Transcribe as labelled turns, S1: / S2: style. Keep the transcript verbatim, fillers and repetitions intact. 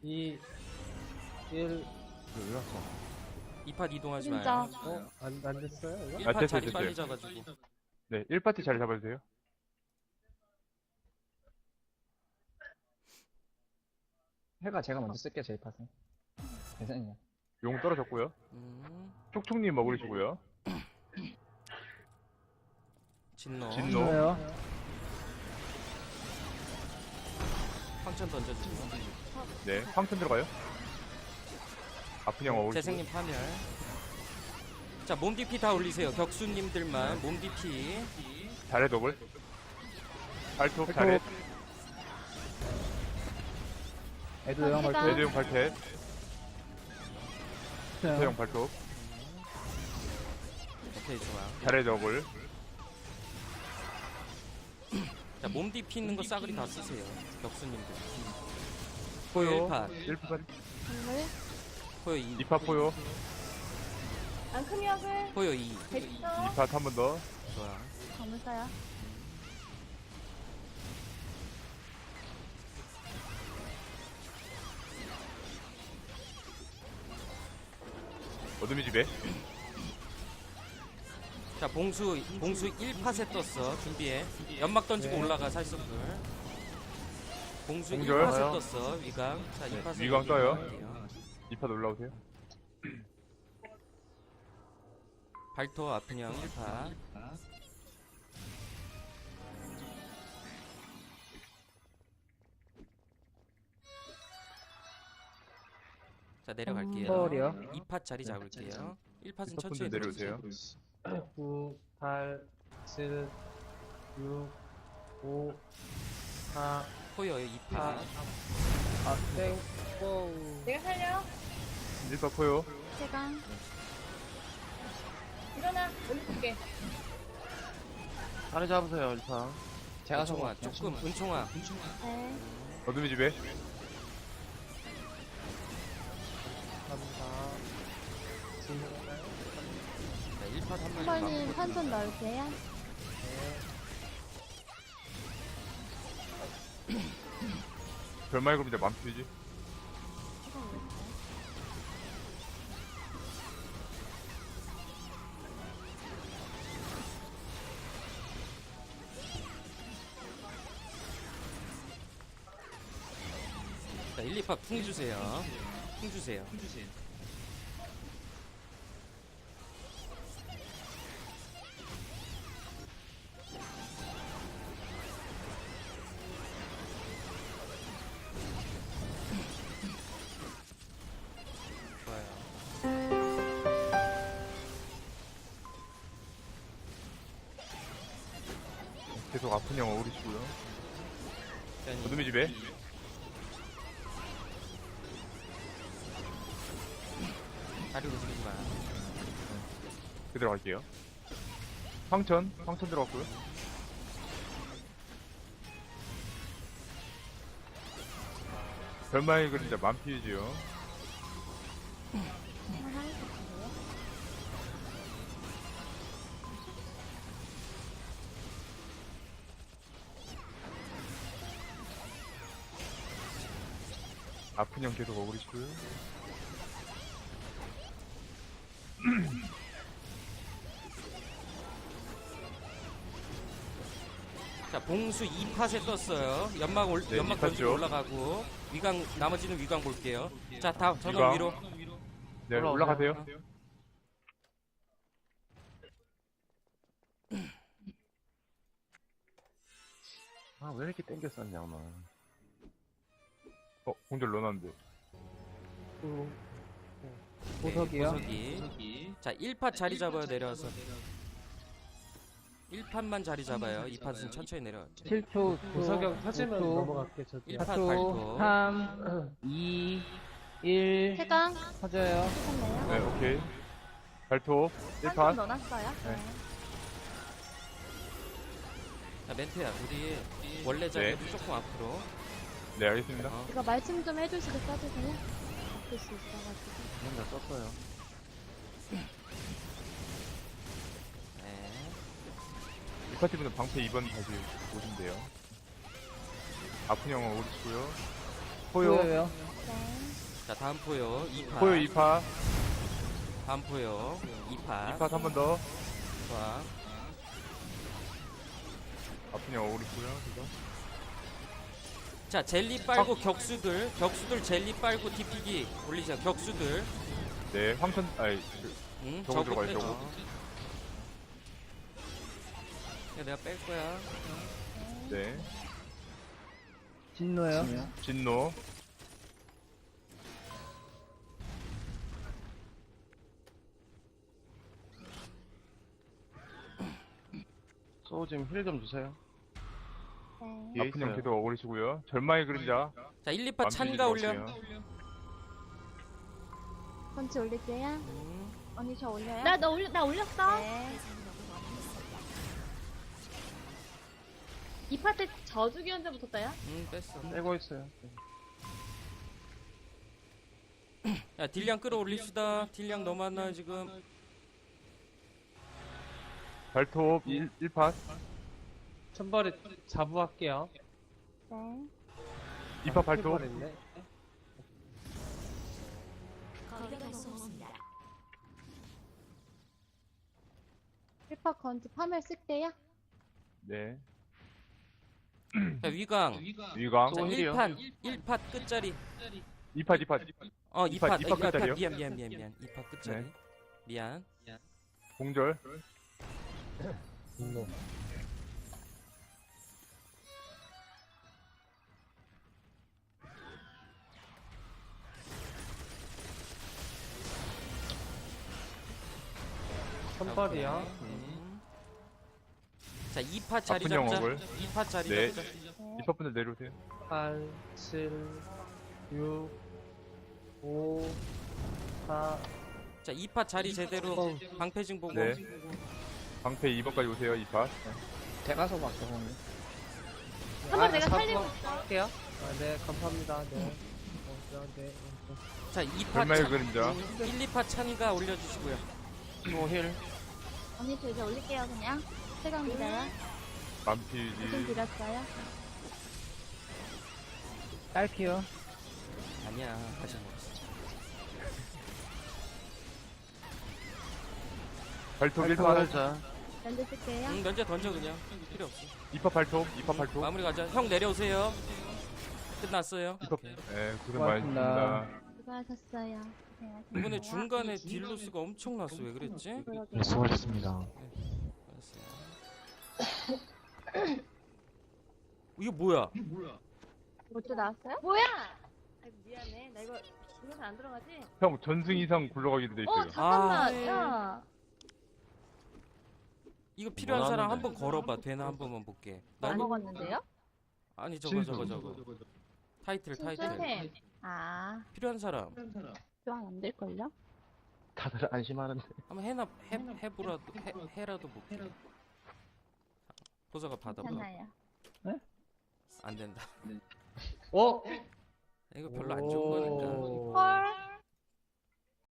S1: 이, 일.
S2: 왜 왔어?
S3: 이 팟 이동하지
S4: 진짜.
S3: 마요.
S1: 어? 안, 안 됐어요? 이거?
S3: 일
S2: 아,
S3: 팟
S2: 됐어요,
S3: 자리
S2: 됐어요.
S3: 빨리 잡아주고.
S2: 네, 일 파티 자리 잡아주세요.
S5: 해가 제가 먼저 쓸게요, 제이 팟은. 괜찮냐?
S2: 용 떨어졌고요.
S3: 음,
S2: 촉촉님 먹으시고요.
S3: 진노.
S2: 진노.
S1: 진노요?
S3: 황천 던져주고.
S2: 네, 황천 들어가요. 아픈 형 어울리시고.
S3: 재생님 파멸. 자, 몸 디피 다 올리세요. 격수님들만 몸 디피.
S2: 잘해 더블. 발톱
S1: 발톱.
S2: 잘해.
S1: 애도 영
S4: 해가.
S1: 발표.
S2: 레드용 발텟. 태형 발톱.
S3: 오케이, 좋아.
S2: 잘해 더블.
S3: 자, 몸 디피 있는 거 싸그리 다 쓰세요. 격수님들.
S2: 포요.
S3: 일 팟.
S2: 일 파.
S4: 정말?
S3: 포요 이.
S2: 이 파 포요.
S4: 앙크미역을
S3: 포요 이.
S4: 됐어.
S2: 이 파 한 번 더.
S3: 좋아.
S4: 감사야.
S2: 어둠이 집에.
S3: 자, 봉수 봉수 일 팟에 떴어. 준비해. 연막 던지고
S1: 네.
S3: 올라가 살석들. 봉수 일
S2: 공절.
S3: 팟에 떴어. 위강. 자, 이 팟에
S2: 위강 떠요. 이 파 올라오세요.
S3: 발토 아픈 형 일 팟. 자, 내려갈게요.
S1: 서울이요?
S3: 이 팟 자리 잡을게요. 일 팟은
S2: 이 파
S3: 천천히
S2: 분들 내려오세요.
S1: 구, 팔, 칠, 육, 오, 사,
S3: 포요 이
S1: 사,
S3: 팟.
S1: 아, 땡, 뽕.
S4: 내가 살려.
S2: 일 파 포요.
S4: 세강. 일어나. 올려줄게.
S1: 자리 잡으세요, 일단.
S5: 제가
S3: 은총아,
S5: 저거
S3: 조금 은총아.
S4: 네.
S2: 어둠이 집에.
S1: 감사. 진노가요?
S3: 자, 일 팟 한 마리.
S4: 한번님 판전 넣을게요.
S2: 별말 그룹니다. 맘피지.
S3: 자, 일, 이 팟 풍 주세요. 풍 주세요. 좋아요.
S2: 계속 아픈 형 어울리시고요.
S3: 자,
S2: 어둠이 집에.
S3: 다리 움직이지 마.
S2: 그대로 갈게요. 황천. 황천 들어갔고요. 별말 그림자 맘피지요.
S4: 하나 해주세요.
S2: 아픈 형 계속 어울리시고요.
S3: 자, 봉수 이 팟에 떴어요. 연막 올,
S2: 네,
S3: 연막
S2: 이
S3: 던지고
S2: 팟죠.
S3: 올라가고 위강 나머지는 위강 볼게요. 자, 다 전원
S2: 위강.
S3: 위로.
S2: 네,
S1: 올라오세요.
S2: 올라가세요.
S6: 아, 왜 이렇게 땡겼었냐, 오늘.
S2: 어, 공절 넣어놨는데.
S1: 구,
S3: 네,
S1: 보석이요?
S3: 보석이. 자, 일 팟 자리 잡아요. 내려와서. 일 팟만 자리 잡아요. 이 팟은 천천히 내려.
S1: 칠 초, 보석형 터지면
S5: 오 초,
S1: 넘어갈게, 저도.
S3: 일 팟
S5: 사 초,
S3: 발톱.
S5: 삼, 이, 일.
S4: 세강.
S5: 터져요.
S4: 하셨네요.
S2: 네, 오케이. 발톱. 일
S4: 판전
S2: 판.
S4: 넣어놨어요.
S2: 네.
S3: 자, 멘트야. 우리 원래 자리에도 조금 앞으로.
S2: 네, 알겠습니다.
S3: 어,
S4: 이거 말씀 좀 해주시고 써주세요. 바꿀 수 있어가지고.
S6: 그냥 다 썼어요.
S3: 네.
S2: 이 파티분은 방패 이 번 다시 오시면 돼요. 아픈 형 어울리시고요. 포요.
S5: 보여요.
S4: 네.
S3: 자 다음 포요 이 파.
S2: 포요 이 파.
S3: 다음 포요 이 파.
S2: 이 파 한 번 더.
S3: 좋아.
S2: 아프냐 오리고요. 그죠?
S3: 자 젤리 빨고 격수들 격수들 젤리 빨고 디피기 올리자. 격수들.
S2: 네, 황천 아이 그,
S3: 응,
S2: 저거 들어가요,
S3: 빼-
S2: 저거.
S3: 어. 야 내가 뺄 거야.
S2: 네.
S5: 진노요?
S2: 진노.
S6: 소우 지금 힐 좀 주세요.
S4: 네.
S6: 뒤에
S2: 아픈 형
S6: 있어요.
S2: 계속 오리시고요. 절망의 그림자.
S3: 자 일, 이 파
S2: 맘피지
S3: 찬가 올려.
S2: 들어가세요.
S4: 펀치 올릴게요.
S3: 음.
S7: 언니 저 올려요?
S4: 나, 너 올려, 나 올렸어.
S7: 네.
S4: 이 파트 저주기 현재 붙었다요?
S3: 음 뺐어.
S6: 떼고 있어요.
S3: 야 딜량 끌어올립시다. 딜량 너무 안 나요 지금.
S2: 발톱 일, 일 파.
S1: 천벌이 자부할게요.
S4: 네.
S2: 이 파 발톱.
S1: 있네.
S4: 일 파 건지 파멸 쓸게요.
S2: 네.
S3: 자 위강.
S2: 위강.
S3: 자
S6: 또 힐이요?
S3: 일 판 일 파 끝자리.
S2: 이 파, 이 파.
S3: 어
S2: 이
S3: 이
S2: 파,
S3: 파
S2: 이 파 끝자리요?
S3: 미안 미안 미안 미안. 이 파 끝자리.
S2: 네.
S3: 미안.
S2: 공절.
S1: 분노. 천벌이요.
S3: 음. 자 이 파 자리
S2: 아픈 형
S3: 잡자.
S2: 억울.
S3: 이 파 자리
S2: 네.
S3: 잡자.
S2: 이 파 분들 내려오세요.
S1: 팔, 칠, 육, 오, 사.
S3: 자 이 파 자리 제대로
S1: 어.
S3: 방패징 보고.
S2: 네. 방패 이 번까지 오세요. 이 파.
S5: 대가서 막혀보면
S4: 한번 내가 살리고
S1: 할게요. 아, 네, 감사합니다. 네. 어, 네, 네.
S3: 자 이 파
S2: 절망의
S3: 찬.
S2: 그림자.
S3: 일, 이 파 찬가 올려주시고요.
S6: 또 힐.
S4: 언니 저 이제 올릴게요 그냥. 세강 믿어요. 좀
S2: 맘피지.
S4: 드렸어요.
S5: 딸피요.
S3: 아니야 다시 먹었어.
S2: 발톱 일
S6: 힐
S2: 파.
S6: 하자.
S4: 면제 쓸게요.
S3: 응 면제 던져 그냥. 필요 없어.
S2: 이 파 발톱. 이 파 발톱.
S3: 마무리 가자. 형 내려오세요. 끝났어요.
S2: 이 파. 네, 고생
S5: 고맙습니다.
S2: 많으셨습니다.
S4: 수고하셨어요. 고생하셨어요.
S3: 이번에 중간에 딜로스가 엄청났어. 왜 그랬지?
S4: 그러게요.
S6: 네, 수고하셨습니다.
S3: 알았어요. 이거 뭐야?
S4: 뭐또 나왔어요? 뭐야? 아이고 미안해. 나 이거 이거 안 들어가지?
S2: 형 전승 이상 굴러가기도 돼
S4: 어
S2: 있어요.
S4: 잠깐만.
S3: 아.
S4: 야.
S3: 이거 필요한 사람
S6: 원하는데.
S3: 한번 걸어봐. 되나 한 번만 볼게.
S4: 안
S3: 나
S4: 먹었는데요?
S3: 아니 저거
S2: 진수.
S3: 저거 저거. 타이틀 타이틀.
S4: 쌤. 아.
S3: 필요한 사람
S4: 교환 안 될걸요?
S6: 다들 안심하는데.
S3: 한번 해나 해 해보라도 해 해라도 볼게. 보사가 받아봐.
S4: 괜찮아요.
S3: 안 된다.
S1: 어?
S3: 이거 별로 안 좋은 거니까.
S1: 오.
S4: 헐.